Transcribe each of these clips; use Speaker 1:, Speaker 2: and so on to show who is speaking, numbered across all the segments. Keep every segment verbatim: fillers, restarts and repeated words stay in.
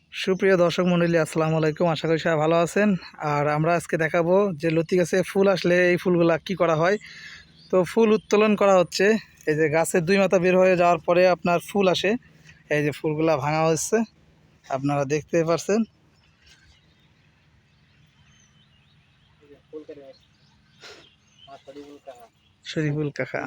Speaker 1: সুপ্রিয় দর্শক মণ্ডলী, আসসালামু আলাইকুম। আশা করি সবাই ভালো আছেন। আর আমরা আজকে দেখাবো যে লতি গাছে ফুল আসলে এই ফুলগুলা কি করা হয়। তো ফুল উত্তোলন করা হচ্ছে। এই যে গাছের দুই মাথা বের হয়ে যাওয়ার পরে আপনার ফুল আসে, এই যে ফুলগুলা ভাঙা হচ্ছে, আপনারা দেখতে পাচ্ছেন। শরীফুল কাকা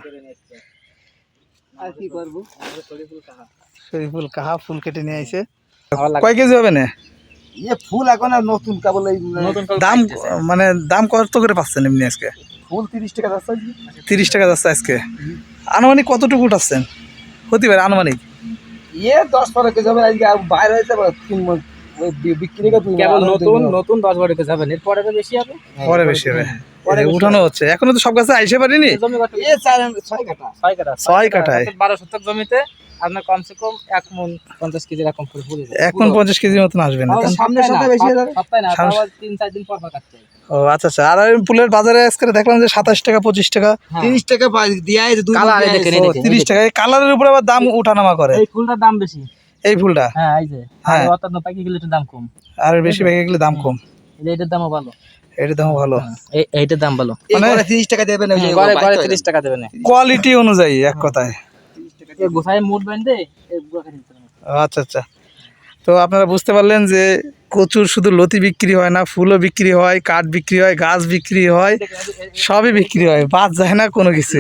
Speaker 1: শরীফুল কাহা ফুল কেটে নিয়ে আইছে। কয় কেজি হবে না
Speaker 2: ফুল এখন আর নতুন কেবল
Speaker 1: দাম? মানে দাম কত করে পাচ্ছেন এমনি আজকে?
Speaker 2: ফুল তিরিশ টাকা যাচ্ছে।
Speaker 1: তিরিশ টাকা যাচ্ছে আজকে। আনুমানিক কতটুকু উঠাচ্ছেন হতে পারে আনুমানিক?
Speaker 2: ইয়ে দশ বারো কেজি হবে। আজকে বাইরে হয়েছে তিন মন বিক্রি
Speaker 3: কেবল নতুন নতুন দশ বারো কেজি হবে, এরপরে বেশি হবে,
Speaker 1: পরে বেশি হবে। উঠানো হচ্ছে, এখনো তো সব গাছে আইসে পারিনি।
Speaker 3: ছয় কাঠা
Speaker 1: ছয় কাঠায়
Speaker 3: বারো শতক জমিতে আপনার কমসে কম এক মন পঞ্চাশ কেজি এরকম করে ফুল
Speaker 1: এক মন পঞ্চাশ কেজির মতন আসবে না?
Speaker 2: সামনে সপ্তাহে বেশি হয়ে যাবে।
Speaker 3: সপ্তাহে না, তিন চার দিন পর পর কাটতে হবে।
Speaker 1: ও আচ্ছা আচ্ছা। আর ফুলের বাজারে আজকে দেখলাম যে সাতাশ টাকা পঁচিশ টাকা
Speaker 2: তিরিশ টাকা দিয়া
Speaker 1: তিরিশ টাকা। এই কালারের উপরে আবার দাম উঠানামা করে।
Speaker 3: এই ফুলটার দাম বেশি,
Speaker 1: এই ফুলটা।
Speaker 3: হ্যাঁ এই যে
Speaker 1: হ্যাঁ,
Speaker 3: অর্থাৎ পাকি গেলে একটু দাম কম,
Speaker 1: আর বেশি পেকে গেলে দাম কম।
Speaker 3: এইটার দামও ভালো,
Speaker 1: এটার দাম ভালো,
Speaker 3: এইটার দাম ভালো।
Speaker 1: মানে
Speaker 2: তিরিশ টাকা দেবেন,
Speaker 3: তিরিশ টাকা দেবেন
Speaker 1: কোয়ালিটি অনুযায়ী এক কথায়।
Speaker 3: গোসাই মুড বেঁধে।
Speaker 1: আচ্ছা আচ্ছা। তো আপনারা বুঝতে পারলেন যে কচুর শুধু লতি বিক্রি হয় না, ফুলও বিক্রি হয়, কাঠ বিক্রি হয়, গাছ বিক্রি হয়, সবই বিক্রি হয়, বাদ যায় না কোনো কিছু।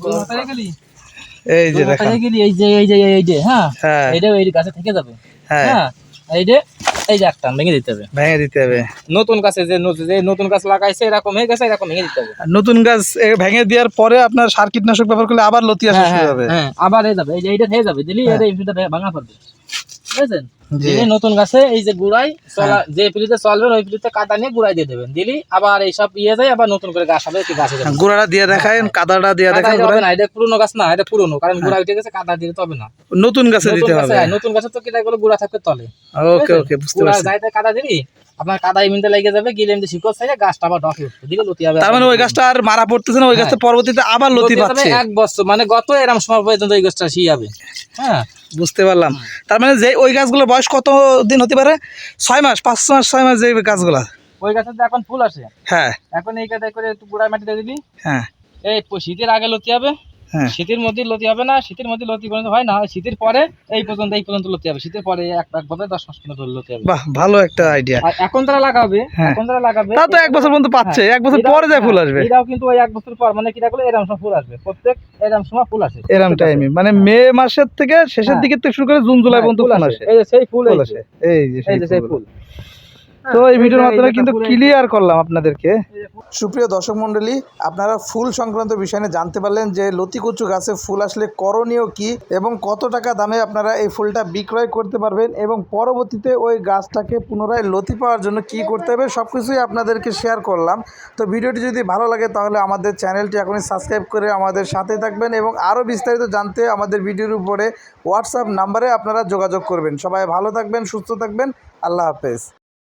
Speaker 1: এই যে দেখেন,
Speaker 3: এই যে এই যে এই যে হ্যাঁ
Speaker 1: হ্যাঁ,
Speaker 3: এইটা এই গাছে থেকে যাবে।
Speaker 1: হ্যাঁ,
Speaker 3: এই যে এই যে একটা ভেঙে দিতে হবে,
Speaker 1: ভেঙে দিতে হবে।
Speaker 3: নতুন গাছে যে যে নতুন গাছ লাগাইছে এরকম হয়ে গেছে, এরকম ভেঙে দিতে হবে।
Speaker 1: নতুন গাছ ভেঙে দেওয়ার পরে আপনার সার কীটনাশক ব্যবহার করলে আবার লতি আসা শুরু হবে।
Speaker 3: হ্যাঁ আবার হয়ে যাবে, এই যে এইটা হয়ে যাবে দিলি এটা এইটা ভাঙা পড়বে, বুঝছেন?
Speaker 1: জি,
Speaker 3: নতুন গাছে এই যে গুড়াই চলা যে পিলিতে চলবে ওই পিলিতে কাদা নিয়ে গুড়াই দিয়ে দেবেন, দিলি আবার এইসব ইয়ে যায়, আবার নতুন করে গাছ হবে। কি গাছ হবে,
Speaker 1: গুড়াটা দিয়ে দেখায়, কাদাটা দিয়ে দেখায়।
Speaker 3: না এটা পুরনো গাছ না, এটা পুরনো, কারণ গুড়া উঠে গেছে, কাদা দিতে হবে না,
Speaker 1: নতুন গাছে দিতে হবে।
Speaker 3: নতুন গাছে তো কিটা গুলো গুড়া থাকবে তলে।
Speaker 1: ওকে ওকে, বুঝতে পারছি।
Speaker 3: যাইতে কাদা দিলি আপনার কাদা ইমিনতে লেগে যাবে, গিলে এমনি শিকড় থেকে গাছটা আবার ডকে উঠবে, দিলে লতি হবে।
Speaker 1: তার মানে ওই গাছটা আর মারা পড়তেছে না, ওই গাছটা পরবর্তীতে আবার লতি পাচ্ছে
Speaker 3: এক বছর, মানে গত এরকম সময় পর্যন্ত ওই গাছটা শি যাবে। হ্যাঁ
Speaker 1: বুঝতে পারলাম। তার মানে যে ওই গাছগুলোর বয়স কত দিন হতে পারে? ছয় মাস, পাঁচ মাস, ছয় মাস যে গাছগুলা।
Speaker 3: ওই গাছে তো এখন ফুল আসে।
Speaker 1: হ্যাঁ,
Speaker 3: এখন এই কাদায় করে একটু গুড়ায় মাটিতে দিবি।
Speaker 1: হ্যাঁ,
Speaker 3: এই শীতের আগে লতি হবে,
Speaker 1: হ্যাঁ,
Speaker 3: শীতের মধ্যে লতি হবে না, শীতের মধ্যে লতি পর্যন্ত হয় না, শীতের পরে এই পর্যন্ত এই পর্যন্ত লতি হবে, শীতের পরে এক একভাবে দশ মাস পর্যন্ত লতি হবে।
Speaker 1: বাহ, ভালো একটা আইডিয়া।
Speaker 3: আর এখন তারা লাগাবে,
Speaker 1: হ্যাঁ,
Speaker 3: এখন তারা লাগাবে,
Speaker 1: তা তো এক বছর পর্যন্ত পাচ্ছে, এক বছর পরে যায় ফুল আসবে।
Speaker 3: এরাও কিন্তু ওই এক বছর পর, মানে কিটা করলে এরকম সময় ফুল আসবে, প্রত্যেক এরকম সময় ফুল আসে,
Speaker 1: এরকম টাইমে, মানে মে মাসের থেকে শেষের দিকে থেকে শুরু করে জুন জুলাই পর্যন্ত ফুল আসে।
Speaker 3: এই যে সেই ফুল
Speaker 1: আসে, এই যে সেই ফুল।
Speaker 3: হ্যাঁ,
Speaker 1: তো এই ভিডিওর মাধ্যমে কিন্তু ক্লিয়ার করলাম আপনাদেরকে। সুপ্রিয় দর্শক মণ্ডলী, আপনারা ফুল সংক্রান্ত বিষয় নিয়ে জানতে পারলেন যে লতি কচু গাছে ফুল আসলে করণীয় কি এবং কত টাকা দামে আপনারা এই ফুলটা বিক্রয় করতে পারবেন এবং পরবর্তীতে ওই গাছটাকে পুনরায় লতি পাওয়ার জন্য কি করতে হবে সব কিছুই আপনাদেরকে শেয়ার করলাম। তো ভিডিওটি যদি ভালো লাগে তাহলে আমাদের চ্যানেলটি এখনই সাবস্ক্রাইব করে আমাদের সাথে থাকবেন এবং আরও বিস্তারিত জানতে আমাদের ভিডিওর উপরে হোয়াটসঅ্যাপ নাম্বারে আপনারা যোগাযোগ করবেন। সবাই ভালো থাকবেন, সুস্থ থাকবেন। আল্লাহ হাফেজ।